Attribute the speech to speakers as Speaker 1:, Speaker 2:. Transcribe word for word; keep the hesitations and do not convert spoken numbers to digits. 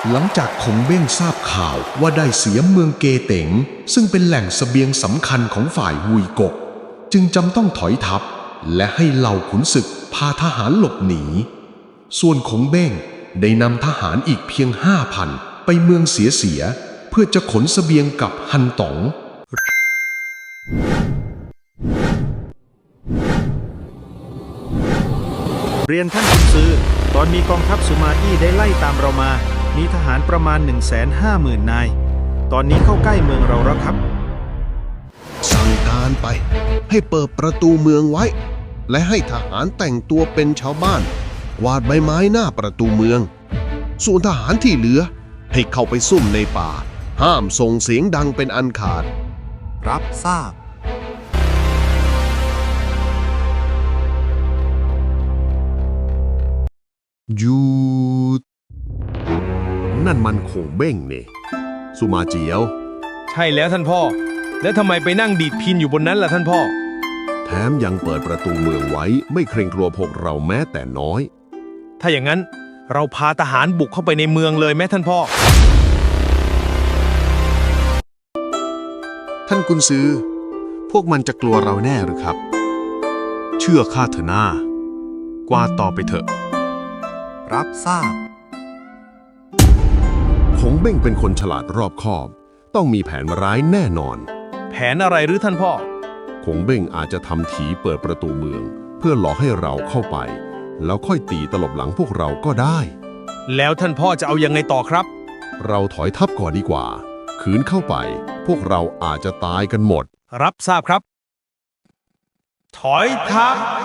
Speaker 1: หลังจากคงเบ้งทราบข่าวว่าได้เสียเมืองเกเต๋งซึ่งเป็นแหล่งเสบียงสำคัญของฝ่ายวุยกกจึงจำต้องถอยทัพและให้เหล่าขุนศึกพาทหารหลบหนีส่วนคงเบ้งได้นำทหารอีกเพียงห้าพันไปเมืองเสียเสียเพื่อจะขนเสบียงกับฮันต๋อง
Speaker 2: เรียนท่านขุนซือตอนมีกองทัพสุมาอี้ได้ไล่ตามเรามามีทหารประมาณ หนึ่งแสนห้าหมื่น นายตอนนี้เข้าใกล้เมืองเราแล้วครับ
Speaker 3: สั่งการไปให้เปิดประตูเมืองไว้และให้ทหารแต่งตัวเป็นชาวบ้านกวาดใบไม้หน้าประตูเมืองส่วนทหารที่เหลือให้เข้าไปซุ่มในป่าห้ามส่งเสียงดังเป็นอันขาด
Speaker 4: รับทราบ
Speaker 3: หยุดนั่นมันคงเบ้งนี่สุมาเจียว
Speaker 5: ใช่แล้วท่านพ่อแล้วทำไมไปนั่งดีดพินอยู่บนนั้นล่ะท่านพ่อ
Speaker 3: แถมยังเปิดประตูเมืองไว้ไม่เกรงกลัวพวกเราแม้แต่น้อย
Speaker 5: ถ้าอย่างนั้นเราพาทหารบุกเข้าไปในเมืองเลยแม่ท่านพ่อ
Speaker 6: ท่านกุนซือพวกมันจะกลัวเราแน่หรือครับเชื่อข้าเถอะหน้ากวาดต่อไปเถอะ
Speaker 4: รับทราบ
Speaker 3: คงเบ้งเป็นคนฉลาดรอบคอบต้องมีแผนร้ายแน่นอน
Speaker 5: แผนอะไรหรือท่านพ่อ
Speaker 3: คงเบ้งอาจจะทำถีเปิดประตูเมืองเพื่อหลอกให้เราเข้าไปแล้วค่อยตีตลบหลังพวกเราก็ได้
Speaker 5: แล้วท่านพ่อจะเอายังไงต่อครับ
Speaker 3: เราถอยทัพก่อนดีกว่าขืนเข้าไปพวกเราอาจจะตายกันหมด
Speaker 5: รับทราบครับถอยทัพ